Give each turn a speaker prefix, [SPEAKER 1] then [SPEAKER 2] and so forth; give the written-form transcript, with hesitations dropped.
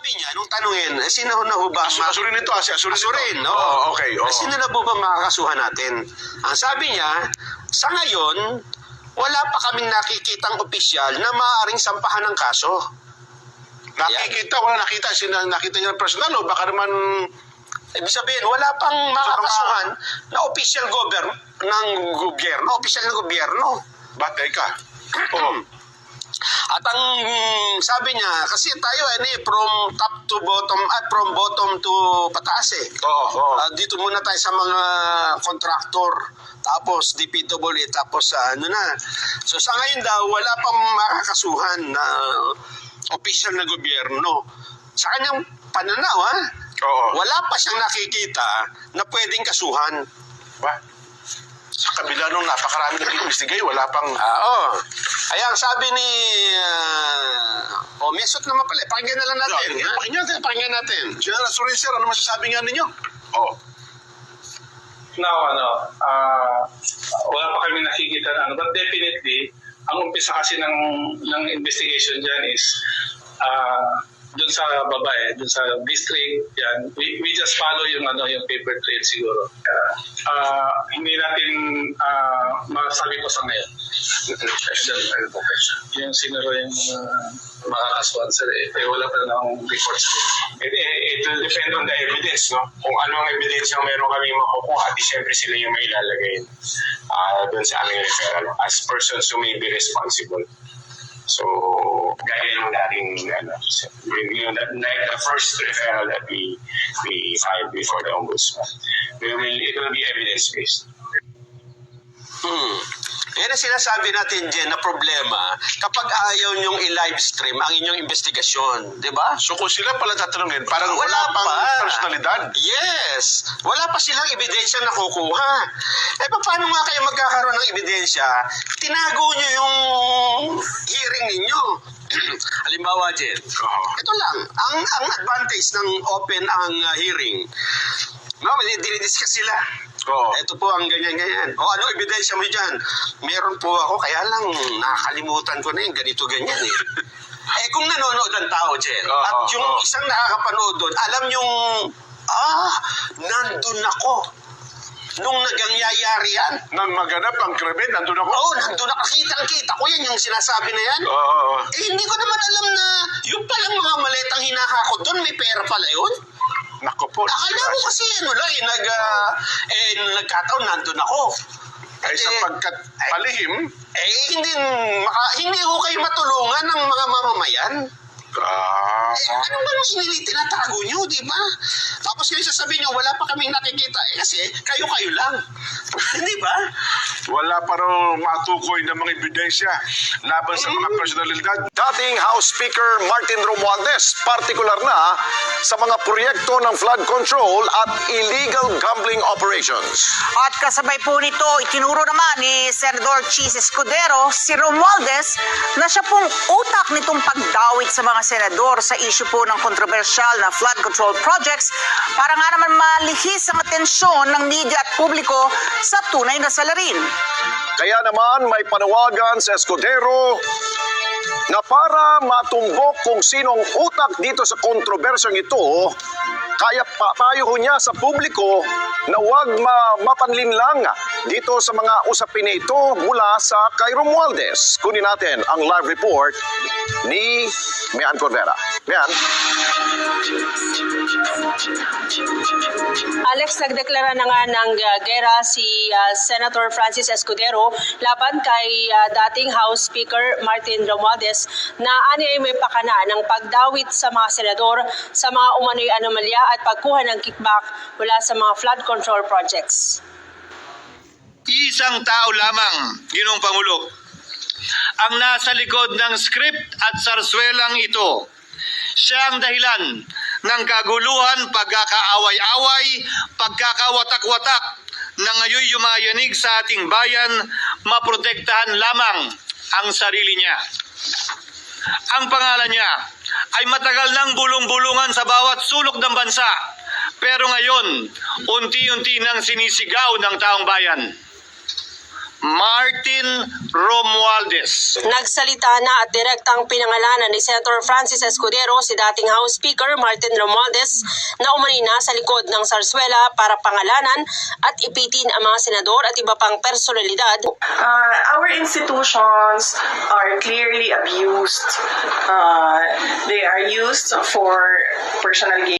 [SPEAKER 1] sabi niya, nung tanungin, sino na ho ba?
[SPEAKER 2] Asurin nito, asurin nito.
[SPEAKER 1] Asurin, no?
[SPEAKER 2] Oo, okay. Oo.
[SPEAKER 1] Sino na po ba makakasuhan natin? Ang sabi niya, sa ngayon, wala pa kaming nakikitang opisyal na maaaring sampahan ng kaso.
[SPEAKER 2] Nakikita, wala nakita. Nakita niya ng personal o baka naman...
[SPEAKER 1] Ibig sabihin, wala pang makakasuhan na opisyal ng gobyerno, opisyal ng gobyerno.
[SPEAKER 2] Batay ka. Oo.
[SPEAKER 1] At ang sabi niya, kasi tayo from top to bottom, at from bottom to pataas eh.
[SPEAKER 2] Oo.
[SPEAKER 1] Dito muna tayo sa mga kontraktor, tapos DPWH, tapos ano na. So sa ngayon daw, wala pang makakasuhan na opisyal na gobyerno. Sa kanyang pananaw,
[SPEAKER 2] Oo.
[SPEAKER 1] wala pa siyang nakikita na pwedeng kasuhan.
[SPEAKER 2] Ba? Sa kabila nung napakarami na investigate, wala pang...
[SPEAKER 1] Oo. Kaya ang sabi ni... mesot naman pala. Pakinggan na lang natin. Pakinggan natin.
[SPEAKER 2] General Asurin, sir, ano masasabi nga ninyo? Oo.
[SPEAKER 3] Now, wala pa kami nakikita na but definitely, ang umpisa kasi ng investigation dyan is dun sa babae, dun sa district, yan. We just follow yung paper trail siguro. Hindi natin masabi ko sa ngayon. Yung sinuro yung makakasuhan sir, wala pa ng reports.
[SPEAKER 4] It will depend on the evidence, no? Kung anong evidence yung meron kami makukuha, di syempre sila yung may ilalagay doon sa aming referral as persons who may be responsible. So, gaya nung dating, the first referral that we filed before the Ombudsman, it will be evidence-based.
[SPEAKER 1] Yan ang sinasabi natin, Jen, na problema kapag ayaw nyong i-live stream ang inyong investigasyon. Di ba?
[SPEAKER 2] So kung sila pala tatanungin, parang wala pang personalidad.
[SPEAKER 1] Yes. Wala pa silang ebidensya na kukuha. Paano nga kayo magkakaroon ng ebidensya? Tinago nyo yung hearing ninyo. Halimbawa, Jen, ito lang. Ang advantage ng open ang hearing. No, dinidiscuss sila. Ito po ang ganyan-ganyan. Ano ebidensya mo dyan? Meron po ako, kaya lang nakakalimutan ko na yung ganito-ganyan eh. Kung nanonood ang tao, Jen, at yung isang nakakapanood doon, alam yung, nandun ako. Nung nagangyayari yan.
[SPEAKER 2] Nang maganap ang krimen, nandun ako.
[SPEAKER 1] Nandun ako. Kitang-kita ko yan, yung sinasabi na yan. Hindi ko naman alam na yung palang mga maletang hinahakot doon, may pera pala yun.
[SPEAKER 2] Naku po.
[SPEAKER 1] Akala ko kasi nagkataon nandun ako.
[SPEAKER 2] Sapagkat palihim,
[SPEAKER 1] hindi ko kayo matulungan ng mga mamamayan. Ano ba nung tinatago nyo, di ba? Tapos kayo sasabihin nyo, wala pa kaming nakikita. Kasi kayo-kayo lang. Hindi ba?
[SPEAKER 2] wala pa raw matukoy ng mga ebidensya laban sa mga personalidad.
[SPEAKER 5] Dating House Speaker Martin Romualdez, partikular na sa mga proyekto ng flood control at illegal gambling operations.
[SPEAKER 6] At kasabay po nito, itinuro naman ni Senador Chis Escudero si Romualdez na siya pong utak nitong pagdawit sa mga senador sa issue po ng kontrobersyal na flood control projects para nga naman malihis ang atensyon ng media at publiko sa tunay na salarin.
[SPEAKER 5] Kaya naman may panawagan sa Escudero na para matumbok kung sinong utak dito sa kontrobersyang ito, kaya papayo niya sa publiko na huwag mapanlinlang dito sa mga usapin ito mula sa kay Romualdez. Kunin natin ang live report ni Mian Cordera. Mian?
[SPEAKER 7] Alex, nagdeklara na nga ng gera si Senator Francis Escudero laban kay dating House Speaker Martin Romualdez na ay may pakana ng pagdawit sa mga senador sa mga umano'y anomalya at pagkuha ng kickback mula sa mga flood control projects.
[SPEAKER 8] Isang tao lamang, Ginoong Pangulo, ang nasa likod ng script at sarswelang ito. Siya ang dahilan ng kaguluhan, pagkakaaway-away, pagkakawatak-watak na ngayon yumayanig sa ating bayan, maprotektahan lamang ang sarili niya. Ang pangalan niya ay matagal nang bulong-bulungan sa bawat sulok ng bansa, pero ngayon, unti-unti nang sinisigaw ng taong bayan. Martin Romualdez.
[SPEAKER 7] Nagsalita na at direktang pinangalanan ni Senator Francis Escudero si dating House Speaker Martin Romualdez na umani na sa likod ng Zarzuela para pangalanan at ipitin ang mga senador at iba pang personalidad.
[SPEAKER 9] Our institutions are clearly abused. They are used for personal gain.